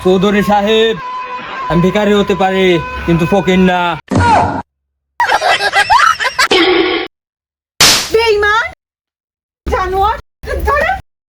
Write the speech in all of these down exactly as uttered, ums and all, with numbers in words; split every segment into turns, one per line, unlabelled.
চৌধুরী সাহেব, আমি ভিখারি হতে পারি কিন্তু ফকির না।
বেঈমান জানোয়ার ধরে।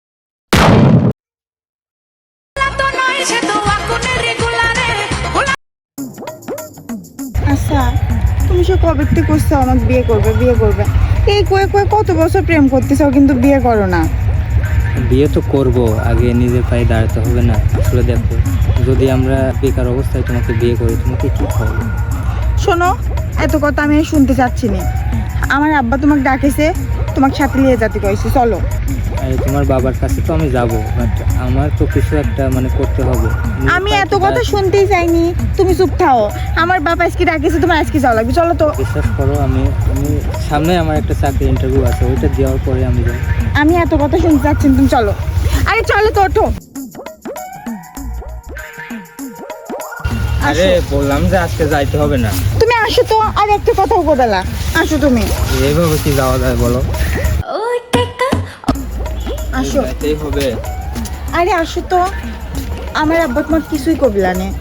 আচ্ছা, তুমি সে কবে থেকে করছো আমাকে বিয়ে করবে বিয়ে করবে এই কয়ে কয়ে কত বছর প্রেম করতেছো কিন্তু বিয়ে করো না?
বিয়ে তো করব, আগে নিজের পায়ে দাঁড়াতে হবে না? আসলে দেখো, যদি আমরা বেকার অবস্থায় তোমাকে বিয়ে করি, তোমাকে কি খাওয়াবো?
শোনো, এত কথা আমি আর শুনতে চাচ্ছি না। আমার আব্বা তোমাকে ডাকেছে, তোমাকে সাথে নিয়ে যেতে কইছে, চলো।
আরে তোমার বাবার কাছে তো আমি যাব, বাট আমার তো কিছু একটা মানে করতে হবে। নিজের
আমি
পায়ে
এত
তো
কথা
দাঁড়াতে-
শুনতেই চাইনি, তুমি চুপ থাও। আমার বাবা আজকে ডাকেছে, তোমার আজকে যাওয়া লাগবে, চলো তো।
বিশ্বাস করো, আমি আমি সামনে আমার একটা চাকরি ইন্টারভিউ আছে, ওইটা দেওয়ার পরে আমি যাই।
আমি এত কথা শুনতে চাচ্ছি না, তুমি চলো। আরে চলো তো, ওঠো।
আরে
আসো,
বললাম যে আজকে যাইতে হবে না।
তুমি আসো তো, আর একটা কথাও বদলা। আসো তুমি,
এইভাবে কি যাওয়া যায় বলো?
আসো।
যাইতেই হবে।
আরে আসো তো, আমার আব্বা তোমার কিছুই কবিলা নে।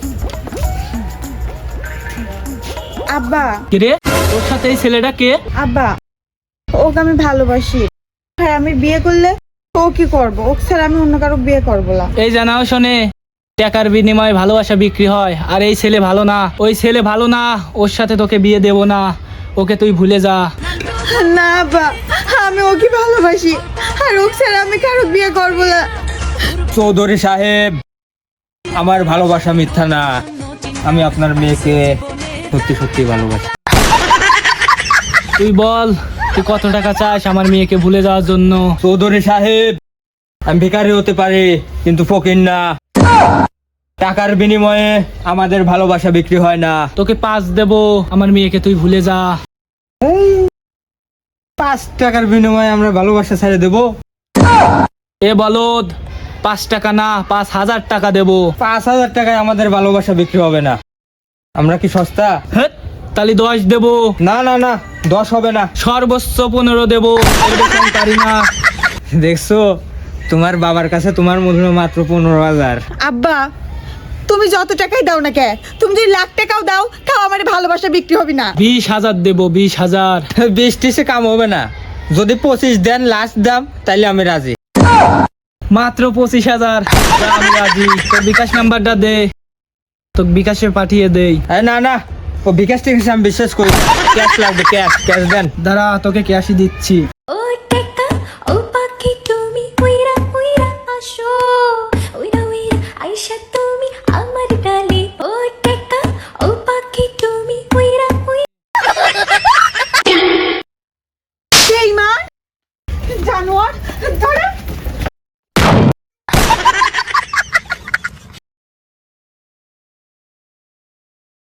আব্বা,
কিরে, তোর সাথে এই ছেলেটা কে?
আব্বা, ওকে আমি ভালোবাসি। হ্যাঁ, আমি বিয়ে করলে ও কি করবো? ওকে ছাড়া আমি অন্য কারো বিয়ে করবো না।
এই জানাও শোনে, টাকার বিনিময়ে ভালোবাসা বিক্রি হয়, আর এই ছেলে ভালো না, ওই ছেলে ভালো না, ওর সাথে তোকে বিয়ে দেব না, ওকে তুই ভুলে যা।
না আব্বা, আমি ওকে ভালোবাসি, আর ওকে ছাড়া আমি কারো বিয়ে করবো না।
চৌধুরী সাহেব, আমার ভালোবাসা মিথ্যা না। আমি আপনার মেয়েকে সত্যি সত্যি ভালোবাসি।
তুই বল, তুই কত টাকা চাস আমার মেয়েকে ভুলে যাওয়ার জন্য?
চৌধুরী সাহেব, আমি ভিখারি হতে পারি কিন্তু ফকির না। টাকার বিনিময়ে আমাদের ভালোবাসা বিক্রি হয় না।
তোকে পাঁচ দেব, আমার মেয়েকে তুই ভুলে যা।
পাঁচ টাকার বিনিময়ে আমরা ভালোবাসা ছেড়ে দেবো?
এ বলদ, পাঁচ টাকা না, পাঁচ হাজার টাকা দেব।
পাঁচ হাজার টাকায় আমাদের ভালোবাসা বিক্রি হবে না। আমরা কি সস্তা?
হ্যাঁ, তাহলে দশ দেব।
না না না, দশ হবে না।
সর্বোচ্চ পনেরো দেব, এর বেশি আমি পারি না।
দেখছো, তোমার বাবার কাছে তোমার মূল্য মাত্র পনেরো হাজার।
আব্বা, তুমি যত টাকাই দাও না কে, তুমি যদি লাখ টাকাও দাও, তাও আমার ভালোবাসা বিক্রি হবে না।
বিশ হাজার দেব, বিশ হাজার।
বিশ টিসে কাম হবে না। যদি পঁচিশ দেন লাস্ট দাম, তাইলে আমি রাজি।
মাত্র পঁচিশ হাজার, যা, আমি রাজি। তোর বিকাশ নাম্বারটা দে, তোকে বিকাশে পাঠিয়ে দেই।
আরে না না, ও বিকাশ থেকে আমি বিশ্বাস করি। ক্যাশ লাগবে, ক্যাশ ক্যাশ দেন।
দাঁড়া, তোকে ক্যাশই দিচ্ছি।
ও টেকা ও পাখি তুমি উইরা উইরা আসো উইরা উইরা আইসা তুমি আমার ডালে ও টেকা ও পাখি তুমি উইরা উইরা
বেঈমান জানোয়ার ধরে।